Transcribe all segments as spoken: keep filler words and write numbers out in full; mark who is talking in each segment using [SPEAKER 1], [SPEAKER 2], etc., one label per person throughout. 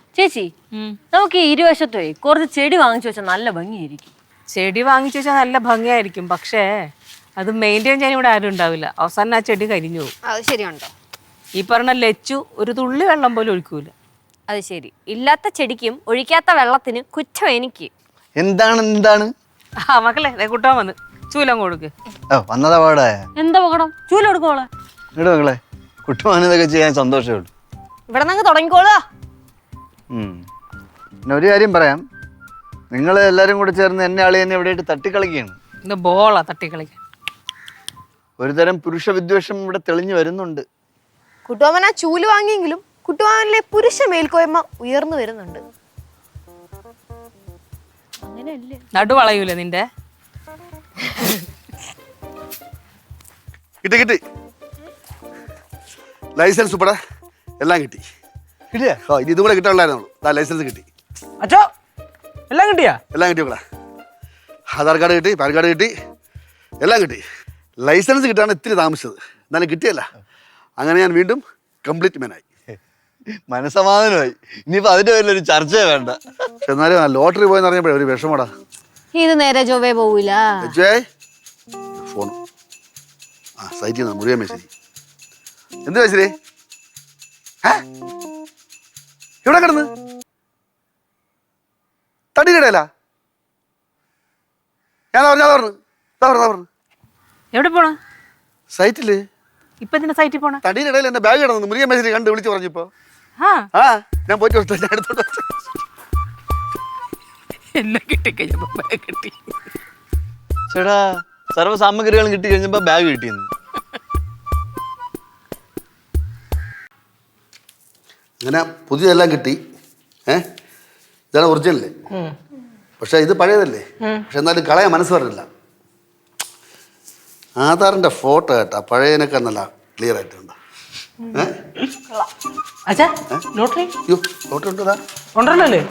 [SPEAKER 1] ചേച്ചി നമുക്ക് ഈ ഇരുവശത്തേ കുറച്ച് ചെടി വാങ്ങിച്ചു വെച്ചാൽ നല്ല ഭംഗിയായിരിക്കും.
[SPEAKER 2] ചെടി വാങ്ങിച്ചു വെച്ചാൽ നല്ല ഭംഗിയായിരിക്കും, പക്ഷേ അത് മെയിൻറ്റെയിൻ ചെയ്യാൻ ഇവിടെ ആരും ഉണ്ടാവില്ല. അവസാനം ആ ചെടി കരിഞ്ഞു പോകും.
[SPEAKER 3] അത് ശരിയുണ്ടോ?
[SPEAKER 2] ഈ പറഞ്ഞ ലച്ചു ഒരു തുള്ളി വെള്ളം പോലും ഒഴിക്കൂല.
[SPEAKER 1] അത് ശരി. ഇല്ലാത്ത ചെടിക്കും ഒഴിക്കാത്ത വെള്ളത്തിന് കുറ്റം എനിക്ക്.
[SPEAKER 4] എന്താണ് എന്താണ്
[SPEAKER 2] ആ മക്കളെ കുട്ടാൻ വന്ന് ചൂലം കൊടുക്ക്.
[SPEAKER 4] വന്നതാ പാടെ.
[SPEAKER 1] എന്താ പകടം? ചൂല കൊടുക്കോളെ.
[SPEAKER 4] ഇട മക്കളെ, കുട്ടുവാനിതൊക്കെ ചെയ്യാൻ സന്തോഷമേ ഉള്ളൂ.
[SPEAKER 1] ഇവിടെ നിന്ന് തുടങ്ങിക്കോളുക.
[SPEAKER 4] പിന്നെ ഒരു കാര്യം പറയാം, നിങ്ങൾ എല്ലാരും കൂടെ ചേർന്ന് എന്നെ ആളി എന്നെ ഇവിടെ തട്ടിക്കളിക്കുകയാണ്.
[SPEAKER 2] ഇത് ബോളാ തട്ടിക്കളിക്കാൻ.
[SPEAKER 4] ഒരുതരം പുരുഷ വിദ്വേഷം ഇവിടെ തെളിഞ്ഞു വരുന്നുണ്ട്.
[SPEAKER 3] കുട്ടുവാമൻ ആ ചൂല് വാങ്ങിയെങ്കിലും കുട്ടുവാമനിലെ പുരുഷ മേൽക്കോയ്മ ഉയർന്നു വരുന്നുണ്ട്.
[SPEAKER 1] അങ്ങനെയല്ലേ?
[SPEAKER 2] നടു വളയൂല നിന്റെ.
[SPEAKER 5] കിട്ടി കിട്ടി ലൈസൻസ് ഉൾപ്പെടെ എല്ലാം കിട്ടി.
[SPEAKER 4] കിട്ടിയാ?
[SPEAKER 5] ഓ ഇനി ഇതും കൂടെ കിട്ടാനുള്ളായിരുന്നു. ലൈസൻസ് കിട്ടി.
[SPEAKER 6] അച്ഛോ എല്ലാം കിട്ടിയാ?
[SPEAKER 5] എല്ലാം കിട്ടി മക്കളെ. ആധാർ കാർഡ് കിട്ടി, പാൻ കാർഡ് കിട്ടി, എല്ലാം കിട്ടി. ലൈസൻസ് കിട്ടാണ് ഇത്തിരി താമസിച്ചത്, എന്നാലും കിട്ടിയല്ല. അങ്ങനെ ഞാൻ വീണ്ടും കംപ്ലീറ്റ് മാനായി.
[SPEAKER 4] മനസമാധാനമായി. ഇനിയിപ്പോ അതിന്റെ പേരിൽ ഒരു ചർച്ച വേണ്ട.
[SPEAKER 5] പക്ഷെ എന്നാലും ലോട്ടറി പോയെന്ന് അറിഞ്ഞപ്പോഴേ ഒരു വിഷമടാ.
[SPEAKER 1] ഇത് നേരെ ചൊവ്വേ പോവില്ല.
[SPEAKER 5] ഫോൺ ആ സൈറ്റിൽ നിന്ന് മുഴുവൻ മെസ്സേജ്. എന്ത് മെസ്സേജ്? എവിടെ കിടന്ന് തടി കിടയല്ല? ഞാൻ പറഞ്ഞു പറഞ്ഞു പറഞ്ഞു
[SPEAKER 2] എവിടെ പോണ?
[SPEAKER 5] സൈറ്റില്.
[SPEAKER 2] ഇപ്പൊ ഇതിന്റെ സൈറ്റിൽ പോണ?
[SPEAKER 5] തടിയുടെ ഇടയിൽ എന്റെ ബാഗ് കിടന്നു. മുറിയ മെസ്സേജ് കണ്ട് വിളിച്ചു പറഞ്ഞപ്പോ ആ ഞാൻ പോയിട്ട് ഞാൻ എടുത്തോണ്ട്
[SPEAKER 2] എല്ലാം കിട്ടിക്കഴിഞ്ഞപ്പോ ബാഗ് കിട്ടി.
[SPEAKER 4] ചേട്ടാ, സർവ്വ സാമഗ്രികളും കിട്ടി കഴിഞ്ഞപ്പോ ബാഗ് കിട്ടിയെന്ന്.
[SPEAKER 5] അങ്ങനെ പുതിയതെല്ലാം കിട്ടി. ഏഹ് ഇതാണ് ഒറിജിനല്. പക്ഷെ ഇത് പഴയതല്ലേ. പക്ഷെ എന്നാലും കളയാൻ മനസ്സ് പറഞ്ഞില്ല. ആധാറിന്റെ ഫോട്ടോ കേട്ടാ പഴയതിനൊക്കെ നല്ല ക്ലിയർ ആയിട്ടുണ്ട്.
[SPEAKER 6] അച്ഛാ ലോട്ടറി
[SPEAKER 5] അയ്യോ ഫോട്ടോ ഉണ്ടോ?
[SPEAKER 6] ഉണ്ടല്ലേ?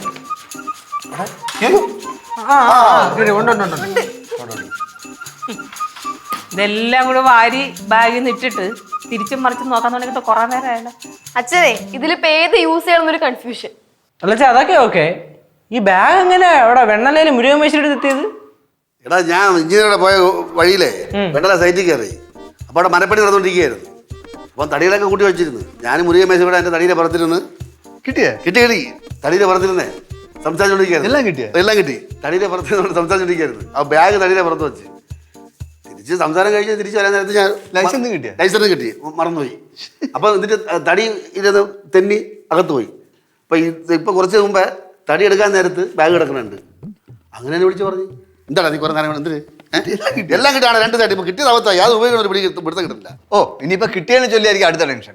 [SPEAKER 2] ഇതെല്ലാം കൂടെ വാരി ബാഗിൽ നിന്ന് ഇട്ടിട്ട് തിരിച്ചും മറിച്ചും നോക്കാൻ തുടങ്ങിയിട്ട് കുറെ നേരം ആയല്ലോ.
[SPEAKER 3] അച്ഛനെ ഇതിലിപ്പോ ഏത് യൂസ് ചെയ്യണമെന്നൊരു കൺഫ്യൂഷൻ.
[SPEAKER 6] അല്ലച്ചാ അതൊക്കെ ഓക്കെ. ഈ ബാഗ് എങ്ങനെ അവിടെ വെണ്ണലയില് മുരുകൻ മേശയുടെ എത്തിയത്?
[SPEAKER 5] എടാ ഞാൻ എഞ്ചിനീയറുടെ പോയ വഴിയിലേ വെണ്ടല സൈറ്റിൽ കയറി. അപ്പോൾ അവിടെ മരപ്പണി നടന്നുകൊണ്ടിരിക്കുകയായിരുന്നു. അപ്പം തടികളൊക്കെ കൂട്ടി വെച്ചിരുന്നു. ഞാൻ മുരുകൻ മേശ കൂടെ എൻ്റെ തടിയുടെ പുറത്തിരുന്ന്
[SPEAKER 4] കിട്ടിയേ?
[SPEAKER 5] കിട്ടി കിട്ടി തടിയുടെ പുറത്തിരുന്നേ സംസാരിച്ചുകൊണ്ടിരിക്കുകയായിരുന്നു.
[SPEAKER 4] എല്ലാം കിട്ടിയ?
[SPEAKER 5] എല്ലാം കിട്ടി. തടിയുടെ പുറത്ത് സംസാരിച്ചുകൊണ്ടിരിക്കുകയായിരുന്നു. ആ ബാഗ് തടിയുടെ പുറത്ത് വെച്ച് തിരിച്ച് സംസാരം കഴിച്ച് തിരിച്ച് വരാൻ നേരത്ത് ഞാൻ
[SPEAKER 4] ലൈസൻസ് കിട്ടിയ?
[SPEAKER 5] ലൈസൻസ് കിട്ടി, മറന്നുപോയി. അപ്പം എന്നിട്ട് തടി ഇരുന്ന് തെന്നി അകത്ത് പോയി. അപ്പം ഇപ്പം കുറച്ച് മുമ്പേ തടി എടുക്കാൻ നേരത്ത് ബാഗ് കിടക്കണുണ്ട്. അങ്ങനെ തന്നെ വിളിച്ച് പറഞ്ഞു എന്താണ് നീ കുറെ നേരം എന്തിന് എല്ലാം കിട്ടാണ് രണ്ട് തടി. ഇപ്പം കിട്ടിയത് അവത്തായി, അത് ഉപയോഗിക്കണം. ഒരു പിടി പിടുത്തം കിട്ടില്ല.
[SPEAKER 4] ഓ ഇനിയിപ്പോ കിട്ടിയെന്ന് ചൊല്ലിയായിരിക്കും അടുത്ത ടെൻഷൻ.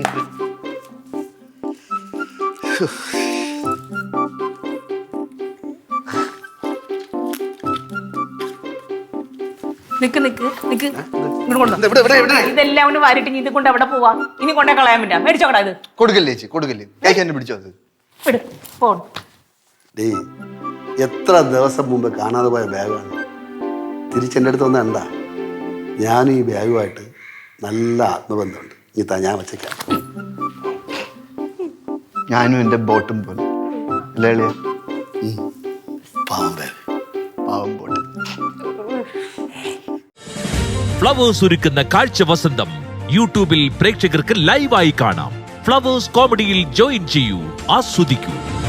[SPEAKER 2] നിക്ക് നിക്ക് നിക്ക് ഇതെല്ലാം കൊണ്ട് വാരിട്ട് ഇത് കൊണ്ട് എവിടെ പോവാ? ഇനി കൊണ്ടേ കളയാൻ പറ്റാ. മേടിച്ചോക്കടാ ഇത്.
[SPEAKER 4] കൊടുക്കല്ലേ ചേച്ചി, കൊടുക്കല്ലേ. കൈക്ക് എന്നെ പിടിച്ചോ. അത്
[SPEAKER 5] ഡേ എത്ര ദിവസം മുമ്പ് കാണാതെ പോയ ബാഗാണ് തിരിച്ചെൻ്റെ അടുത്ത് വന്ന എന്താ. ഞാനും ഈ ബാഗുമായിട്ട് നല്ല ആത്മബന്ധമുണ്ട്. ഇനി താ ഞാൻ വച്ചേക്കാം.
[SPEAKER 4] ഞാനും എൻ്റെ ബോട്ടും പോലെ അല്ലേ?
[SPEAKER 5] പാവം ബാഗ്,
[SPEAKER 4] പാവം ബോട്ട്.
[SPEAKER 7] ഫ്ലവേഴ്സ് ഒരുക്കുന്ന കാഴ്ച വസന്തം യൂട്യൂബിൽ പ്രേക്ഷകർക്ക് ലൈവായി കാണാം. ഫ്ലവേഴ്സ് കോമഡിയിൽ ജോയിൻ ചെയ്യൂ, ആസ്വദിക്കൂ.